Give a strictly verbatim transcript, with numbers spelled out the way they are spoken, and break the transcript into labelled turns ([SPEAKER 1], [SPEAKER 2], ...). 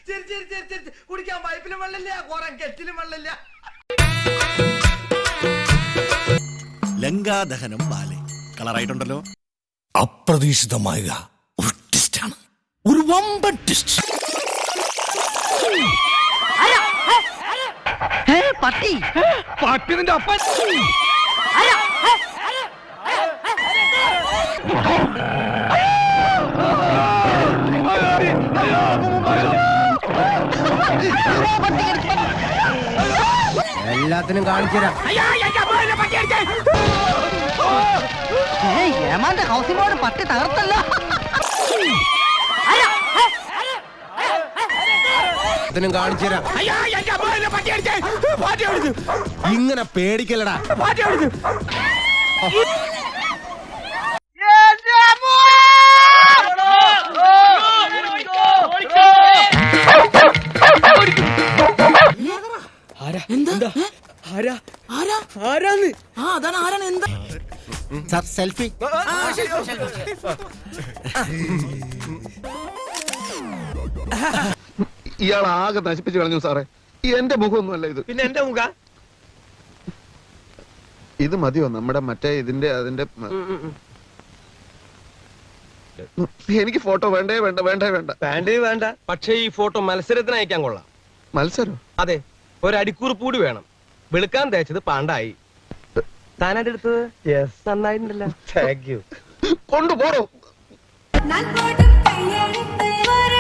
[SPEAKER 1] ചിരി ചിരി ചിരി ചിരി കുടിക്കാൻ പൈപ്പിലും വെള്ളമില്ല കുറെ കെറ്റിലും വെള്ളമില്ല.
[SPEAKER 2] ലങ്കാദഹനം ബാലെ കളറായിട്ടുണ്ടല്ലോ.
[SPEAKER 3] അപ്രതീക്ഷിതമായ ഒരു ട്വിസ്റ്റാണ്, ഒരു വമ്പൻ ട്വിസ്റ്റ്.
[SPEAKER 1] പട്ടി
[SPEAKER 4] പട്ടി നിന്റെ അപ്പൻ.
[SPEAKER 1] എല്ലാത്തിനും കാണിച്ചുതരാം. ഏമാന്റെ ഹൗസിംഗ് ബോർഡ് പട്ടി തകർത്തല്ല. കാണിച്ചുതരാം.
[SPEAKER 3] ഇങ്ങനെ പേടിക്കലടാ.
[SPEAKER 2] Sir selfie.
[SPEAKER 5] ഇയാൾ ആകെ നശിപ്പിച്ചു കളഞ്ഞു സാറേ. എന്റെ മുഖമൊന്നുമല്ല ഇത്.
[SPEAKER 4] പിന്നെ എന്റെ മുഖ
[SPEAKER 5] ഇത് മതിയോ നമ്മുടെ മറ്റേ ഇതിന്റെ അതിന്റെ എനിക്ക് ഫോട്ടോ വേണ്ടേ വേണ്ട വേണ്ടേ വേണ്ട
[SPEAKER 4] വേണ്ടേ വേണ്ട. പക്ഷേ ഈ ഫോട്ടോ മത്സരത്തിന് അയക്കാൻ കൊള്ളാം.
[SPEAKER 5] മത്സരം?
[SPEAKER 4] അതെ, ഒരടിക്കുറിപ്പ് കൂടി വേണം. വെളുക്കാൻ തേച്ചത് പാണ്ടായി. താനായിട്ട് എടുത്തത് യെസ് നന്നായിട്ടുണ്ടല്ലോ. Thank you.
[SPEAKER 5] കൊണ്ടുപോടോ.
[SPEAKER 6] நான் போடும் கையெழுத்து வர